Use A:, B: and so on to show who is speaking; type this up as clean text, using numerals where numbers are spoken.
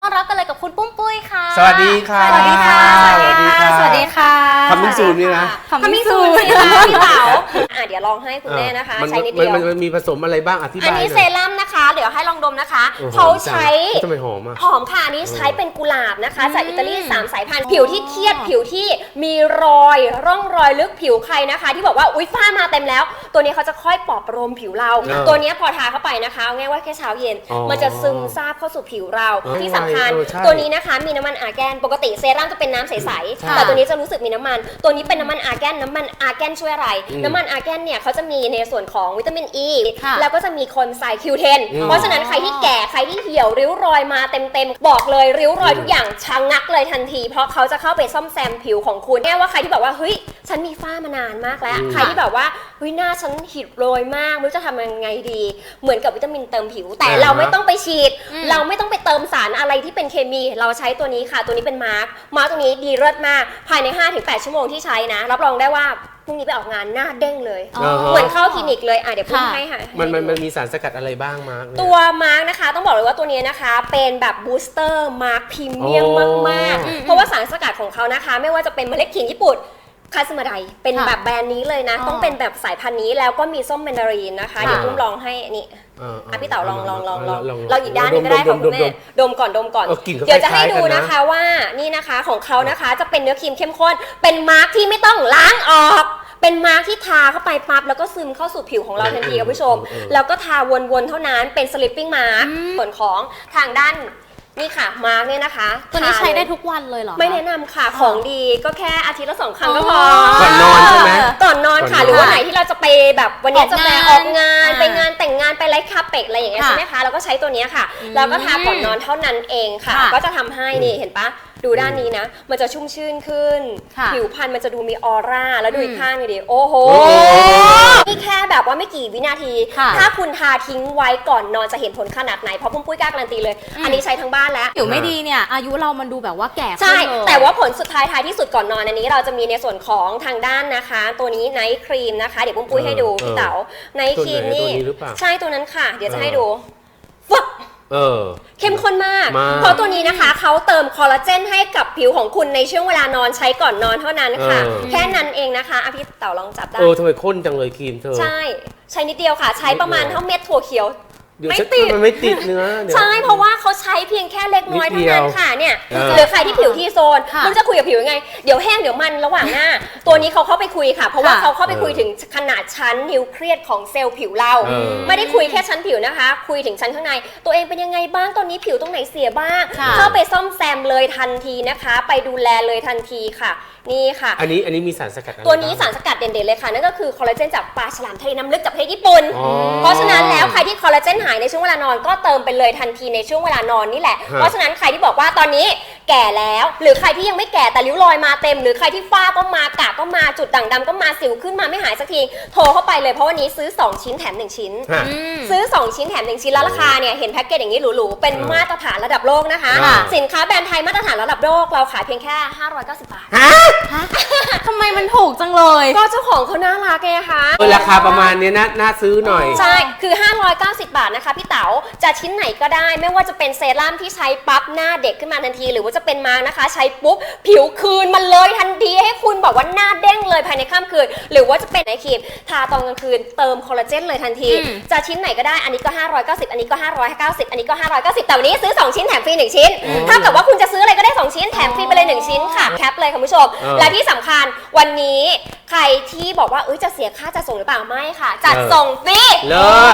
A: ต้อนรับกันเลยกับคุณปุ้มปุ้ยค่ะ
B: สวัสดีค่ะ
A: สวัสดีค่ะสวัสดีค่ะสวัสดีค่ะ
B: คำมิ่งซูนนี่นะ
A: คำมิ่งซูนพี่เต๋า
C: เดี๋ยวลองให้คุณแม่นะคะ
B: มัน
C: ใช้นิดเดียว
B: มันมีผสมอะไรบ้างอธิบาย
C: อันนี้เซรั่มนะคะเดี๋ยวให้ลองดมนะคะเขาใช้
B: ทำไมหอมอ่ะ
C: หอมค่ะอันนี้ใช้เป็นกุหลาบนะคะจากอิตาลี3 สายพันธุ์ผิวที่เครียดผิวที่มีรอยร่องรอยลึกผิวใครนะคะที่บอกว่าอุ๊ยฝ้ามาเต็มแล้วตัวนี้เขาจะค่อยปลอบประโลมผิวเราตัวนี้พอทาเข้าไปนะคะง่ายว่าแค่เช้าเย็นมันจะซึมซาบเข้าสู่ผิวเราที่สำคัญตัวนี้นะคะมีน้ำมันอาร์แกนปกติเซรั่มจะเป็นน้ำใสๆแต่ตัวนี้จะรู้สึกมีน้ำมันตัวนี้เป็นน้ำมันอาร์แกนน้ำมันอาร์แกนช่วยอะไรน้ำมันอาร์แกนเนี่ยเขาจะมีในส่วนของวิตามินอีแล้วก็จะมีคนไซคิวเทนเพราะฉะนั้นใครที่แก่ใครที่เหี่ยวริ้วรอยมาเต็มบอกเลยริ้วรอยทุกอย่างชะงักเลยทันทีเพราะเขาจะเข้าไปซ่อมแซมผิวของคุณแน่ว่าใครที่บอกว่าเฮ้ยฉันมีฝ้ามานานมากแล้วใครที่แบบว่าเฮ้ยหน้าฉันหิดโรยมากไม่รู้จะทำยังไงดีเหมือนกับวิตามินเติมผิวแต่เราไม่ต้องไปฉีดเราไม่ต้องไปเติมสารอะไรที่เป็นเคมีเราใช้ตัวนี้ค่ะตัวนี้เป็นมาร์กตัวนี้ดีเลิศมากภายใน 5-8 ชั่วโมงที่ใช้นะรับรองได้ว่าพรุ่งนี้ไปออกงานหน้าเด้งเลยเหมือนเข้าคลินิกเลยเดี๋ยวพูดให้ค่ะ
B: มันมีสารสกัดอะไรบ้างมาร์ก
C: ตัวมาร์กนะคะต้องบอกเลยว่าตัวนี้นะคะเป็นแบบบูสเตอร์มาร์กพรีเมียมมากๆเพราะว่าสารสกัดของเขานะคะไม่ว่าจะเป็นเมล็ดขิงญี่ปุ่นคาสมาไดเป็นแบบแบรนด์นี้เลยนะต้องเป็นแบบสายพันธุ์นี้แล้วก็มีส้มแมนดารินนะคะเดี๋ยวตุ้มลองให้นี่พี่เต๋าลองอีกด้านนึงก็ได้ของคุณแม่ดมก่อนเดี๋ยวจะให้ดูนะคะว่านี่นะคะของเขานะคะจะเป็นเนื้อครีมเข้มข้นเป็นมาร์กที่ไม่ต้องล้างออกเป็นมาร์กที่ทาเข้าไปปั๊บแล้วก็ซึมเข้าสู่ผิวของเราทันทีคุณผู้ชมแล้วก็ทาวนๆเท่านั้นเป็นสลิปปิ้งมาร์กส่วนของทางด้านนี่ค่ะมาร์กเนี่ยนะคะ
A: ตัวนี้ใช้ได้ทุกวันเลยเหรอ
C: ไม่แนะนำค่ะของดีก็แค่อาทิตย์ละ2 ครั้งก็พอ
B: ก่อนนอนใช่ไหม
C: ก่อนนอนค่ะหรือว่าไหนที่เราจะไปแบบวันนี้จะไปออกงานไปงานแต่งงานไปไลฟ์คาเฟ่อะไรอย่างเงี้ยใช่ไหมคะเราก็ใช้ตัวนี้ค่ะแล้วก็ทาก่อนนอนเท่านั้นเองค่ะก็จะทำให้นี่เห็นปะดูด้านนี้นะมันจะชุ่มชื่นขึ้นผิวพรรณมันจะดูมีออร่าแล้วดูอีกข้างนี่ดิโอ้โหนี่แค่แบบว่าไม่กี่วินาทีถ้าคุณทาทิ้งไว้ก่อนนอนจะเห็นผลขนาดไหนเพราะปุ้มปุ้ยกล้าการันตีเลยอันนี้ใช้ทั้งบ้านแล้ว
A: ผิวไม่ดีเนี่ยอายุเรามันดูแบบว่าแก่
C: ใช่แต่ว่าผลสุดท้ายที่สุดก่อนนอนอันนี้เราจะมีในส่วนของทางด้านนะคะตัวนี้ไนท์ครีมนะคะเดี๋ยวปุ้มปุ้ยให้ดูพี่เต๋าไนท์ครีมนี่ใช่ตัวนั้นค่ะเดี๋ยวจะให้ดูฟึบเข้มข้นมากเพราะตัวนี้นะคะเขาเติมคอลลาเจนให้กับผิวของคุณในช่วงเวลานอนใช้ก่อนนอนเท่านั้นค่ะแค่นั้นเองนะคะพี่เต๋าลองจับได้
B: ทำไมข้นจังเลยครีมเธอ
C: ใช้นิดเดียวค่ะใช้ประมาณเท่าเม็ดถั่วเขียว
B: ไม่ติดมันไม่ติดเนื้อ
C: ใช่เพราะว่าเขาใช้เพียงแค่เล็กน้อยเท่านั้นค่ะเนี่ยหรือใครที่ผิวที่โซนคุณจะคุยกับผิวยังไงเดี๋ยวแห้งเดี๋ยวมันระหว่างหน้าตัวนี้เขาเข้าไปคุยค่ะเพราะว่าเขาเข้าไปคุยถึงขนาดชั้นนิวเคลียสของเซลล์ผิวเราไม่ได้คุยแค่ชั้นผิวนะคะคุยถึงชั้นข้างในตัวเองเป็นยังไงบ้างตอนนี้ผิวตรงไหนเสียบ้างเข้าไปซ่อมแซมเลยทันทีนะคะไปดูแลเลยทันทีค่ะนี่ค่ะ
B: อันนี้มีสารสกัด
C: ตัวนี้สารสกัดเด่นๆเลยค่ะนั่นก็คือคอลลาเจนจากปลาฉลามทะเลน้ำลึกจากประเทศญี่ปุ่นเพราะฉะนั้นแล้วใครที่คอลลาเจนหายในช่วงเวลานอนก็เติมไปเลยทันทีในช่วงเวลานอนนี่แหละเพราะฉะนั้นใครที่บอกว่าตอนนี้แก่แล้วหรือใครที่ยังไม่แก่แต่ริ้วรอยมาเต็มหรือใครที่ฝ้าก็มากระก็มาจุดด่างดำก็มาสิวขึ้นมาไม่หายสักทีโทรเข้าไปเลยเพราะวันนี้ซื้อ2 ชิ้นแถม1 ชิ้นซื้อ2 ชิ้นแถม1 ชิ้นแล้วราคาเนี่ยเห็นแพ็กเกจอย่างนี้หรูๆเป็นมาตรฐานระดับโลกนะคะสินค้าแบรนด์ไทยมาตรฐานระดับโลกเราขายเพียงแค่590 บาท
A: ทำไมมันถูกจังเลย
C: ก็เจ้าของเขาน่ารักไงคะ
B: ราคาประมาณนี้น่าซื้อหน่อย
C: ใช่คือ590 บาทนะคะพี่เต๋าจะชิ้นไหนก็ได้ไม่ว่าจะเป็นเซรั่มที่ใช้ปั๊บหน้าเด็กขึ้นมาทันทีหรือว่าจะเป็นมาร์กนะคะใช้ปุ๊บผิวคืนมันเลยทันทีให้คุณบอกว่าหน้าเด้งเลยภายในค่ำคืนหรือว่าจะเป็นไอครีมทาตอนกลางคืนเติมคอลลาเจนเลยทันทีจะชิ้นไหนก็ได้อันนี้ก็590อันนี้ก็590อันนี้ก็590แต่วันนี้ซื้อ2 ชิ้นแถมฟรี1 ชิ้นถ้าเกิดว่าคุณจะซื้ออะไรก็ได้2 ชิ้นแถมฟรีไปเลย1 ชิ้นค่ะแคปเลยคุณผู้ชมและที่สำคัญวันนี้ใครที่บอกว่าจะเสียค่าจัดส่งหรือเปล่าไม่ค่ะจัดส่งฟรี